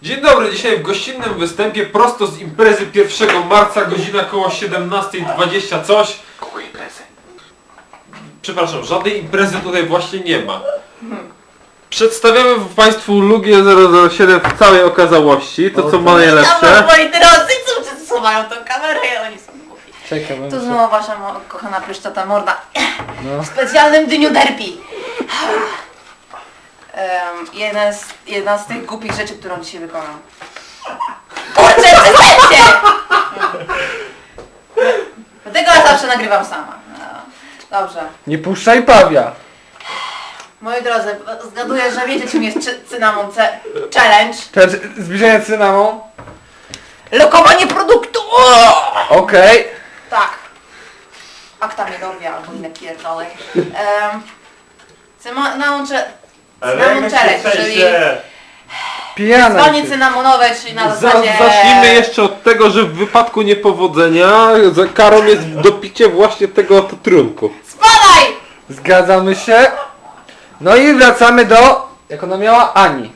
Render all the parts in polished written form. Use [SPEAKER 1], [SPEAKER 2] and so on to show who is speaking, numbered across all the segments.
[SPEAKER 1] Dzień dobry, dzisiaj w gościnnym występie prosto z imprezy 1 marca, godzina koło 17:20 coś.
[SPEAKER 2] Kogo imprezy?
[SPEAKER 1] Przepraszam, żadnej imprezy tutaj właśnie nie ma. Przedstawiamy Państwu Lugię 007 w całej okazałości, to co ma najlepsze.
[SPEAKER 3] Dobra, moi drodzy, co wszyscy mają tą kamerę i oni są głupi.
[SPEAKER 2] Czekam.
[SPEAKER 3] To znowu wasza kochana pryszczata morda. W specjalnym dniu derpi. Jedna z tych głupich rzeczy, którą dzisiaj wykonam. Kurczę, przestańcie! Dlatego ja zawsze nagrywam sama. No, dobrze.
[SPEAKER 2] Nie puszczaj Pawia.
[SPEAKER 3] Moi drodzy, zgaduję, że wiecie czym jest Cynamon Challenge.
[SPEAKER 2] Zbliżenie cynamon.
[SPEAKER 3] Lokowanie produktu!
[SPEAKER 2] Okej.
[SPEAKER 3] Tak. Akta miedowia albo inne pierdolej. Cynamon Challenge, czyli
[SPEAKER 2] Pijana.
[SPEAKER 3] dzwonię cynamonowe, czyli na zasadzie...
[SPEAKER 1] Zacznijmy jeszcze od tego, że w wypadku niepowodzenia za karą jest dopicie właśnie tego oto trunku.
[SPEAKER 3] Spadaj!
[SPEAKER 2] Zgadzamy się. No i wracamy do... Jak ona miała? Ani.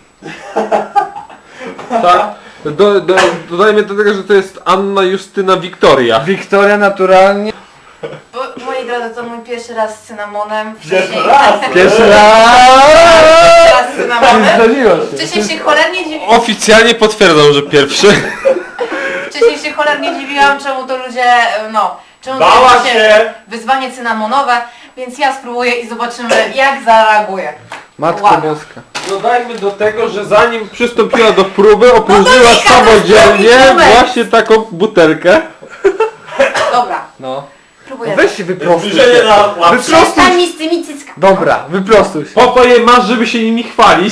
[SPEAKER 1] Tak? Dodajmy do tego, że to jest Anna Justyna Wiktoria.
[SPEAKER 2] Wiktoria naturalnie.
[SPEAKER 3] Moi drodzy, to mój pierwszy raz z cynamonem.
[SPEAKER 2] Pierwszy
[SPEAKER 3] Pierwszy
[SPEAKER 2] raz!
[SPEAKER 3] raz z cynamonem.
[SPEAKER 2] Zdarzyło się.
[SPEAKER 3] Wcześniej się cholernie dziwiłam.
[SPEAKER 1] Oficjalnie potwierdzam, że pierwszy.
[SPEAKER 3] Wcześniej się cholernie dziwiłam, czemu to ludzie, czemu
[SPEAKER 4] Bała
[SPEAKER 3] to
[SPEAKER 4] się!
[SPEAKER 3] wyzwanie cynamonowe, więc ja spróbuję i zobaczymy, jak zareaguje.
[SPEAKER 2] Matko
[SPEAKER 3] Ładna.
[SPEAKER 2] Boska.
[SPEAKER 1] Dodajmy do tego, że zanim przystąpiła do próby, opróżniła
[SPEAKER 3] Dominika,
[SPEAKER 1] samodzielnie
[SPEAKER 3] to jest
[SPEAKER 1] właśnie taką butelkę.
[SPEAKER 3] Dobra,
[SPEAKER 2] No.
[SPEAKER 3] próbuję.
[SPEAKER 2] Weź się wyprostuj.
[SPEAKER 4] Zbliżenie na łapę.
[SPEAKER 3] Przestań mi z tymi cyckami.
[SPEAKER 2] Dobra, wyprostuj się.
[SPEAKER 1] Po to je masz, żeby się nimi chwalić.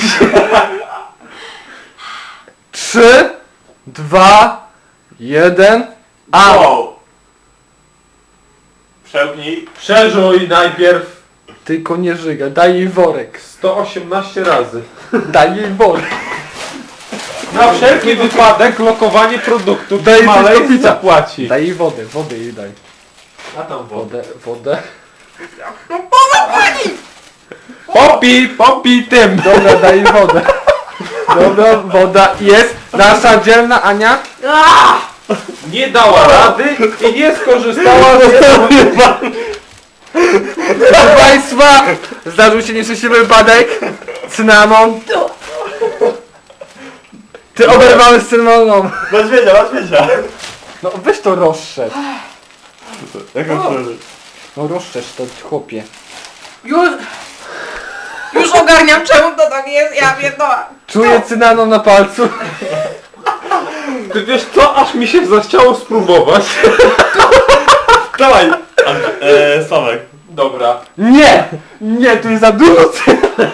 [SPEAKER 2] 3, 2, 1. A!
[SPEAKER 4] Wow. Przełknij.
[SPEAKER 1] Przeżuj najpierw
[SPEAKER 2] Tylko nie żygaj, daj jej worek.
[SPEAKER 1] 118 razy.
[SPEAKER 2] Daj jej worek.
[SPEAKER 1] Na wszelki wypadek lokowanie produktu.
[SPEAKER 2] Daj coś do
[SPEAKER 1] Malej
[SPEAKER 2] picia.
[SPEAKER 1] zapłaci.
[SPEAKER 2] Daj jej wodę jej daj.
[SPEAKER 1] A tam wodę.
[SPEAKER 2] Wodę.
[SPEAKER 1] Popij tym.
[SPEAKER 2] Dobra, daj jej wodę. Dobra, woda jest. Nasza dzielna Ania.
[SPEAKER 1] Nie dała rady i nie skorzystała z tego.
[SPEAKER 2] Proszę Państwa, zdarzył się nieszczęśliwy wypadek. Cynamon. Ty oberwałeś z cynamoną.
[SPEAKER 4] Masz wiedzia.
[SPEAKER 2] No weź to rozszerz.
[SPEAKER 4] Jak on przeżył?
[SPEAKER 2] No rozszerz to chłopie.
[SPEAKER 3] Już ogarniam, czemu to tak jest, ja pierdolę.
[SPEAKER 2] Czuję cynamon na palcu.
[SPEAKER 1] Ty wiesz co, aż mi się zachciało spróbować.
[SPEAKER 4] Dawaj! Sławek.
[SPEAKER 1] Dobra.
[SPEAKER 2] Nie! Nie, tu jest za dużo cynamon.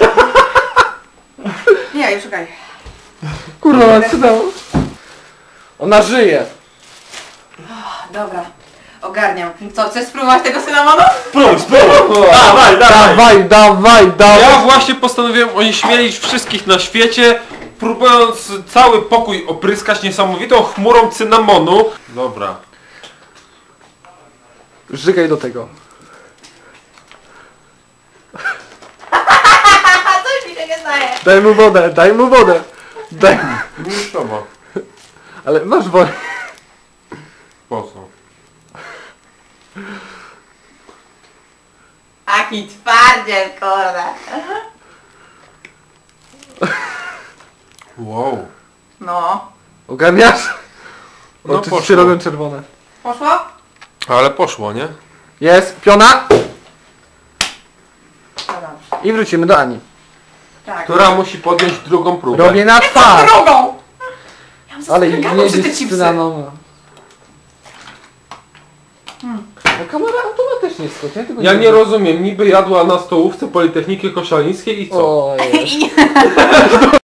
[SPEAKER 3] Nie, już szukaj.
[SPEAKER 2] Kurwa, cynamon. Ona żyje.
[SPEAKER 3] Dobra, ogarniam. Co, chcesz spróbować tego cynamonu?
[SPEAKER 4] Spróbuj!
[SPEAKER 2] Dawaj.
[SPEAKER 1] Ja właśnie postanowiłem onieśmielić wszystkich na świecie, próbując cały pokój opryskać niesamowitą chmurą cynamonu. Dobra.
[SPEAKER 2] Żygaj do tego.
[SPEAKER 3] Coś mi się nie zdaje.
[SPEAKER 2] Daj mu wodę. Daj.
[SPEAKER 1] Już to ma.
[SPEAKER 2] Ale masz wodę.
[SPEAKER 1] Po co?
[SPEAKER 3] Taki twardziel, kurde.
[SPEAKER 1] Wow.
[SPEAKER 3] No.
[SPEAKER 2] Ogarniasz?
[SPEAKER 1] No
[SPEAKER 2] Oczy
[SPEAKER 1] poszło.
[SPEAKER 2] się robią czerwone.
[SPEAKER 3] Poszło?
[SPEAKER 1] Ale poszło, nie?
[SPEAKER 2] Jest, piona.
[SPEAKER 3] No dobrze.
[SPEAKER 2] I wrócimy do Ani.
[SPEAKER 3] Tak.
[SPEAKER 1] Która musi podjąć drugą próbę.
[SPEAKER 2] Robię na twarz.
[SPEAKER 3] Drogą! Ja mam
[SPEAKER 2] Ale
[SPEAKER 3] zastrzeganą
[SPEAKER 2] nie
[SPEAKER 3] przy te
[SPEAKER 2] jest
[SPEAKER 3] chipsy.
[SPEAKER 2] cynamon. No kamera automatycznie skoczy. Ja, tego
[SPEAKER 1] Ja nie rozumiem, niby jadła na stołówce Politechniki Koszalińskiej i co?
[SPEAKER 2] O, jest.
[SPEAKER 3] I nie.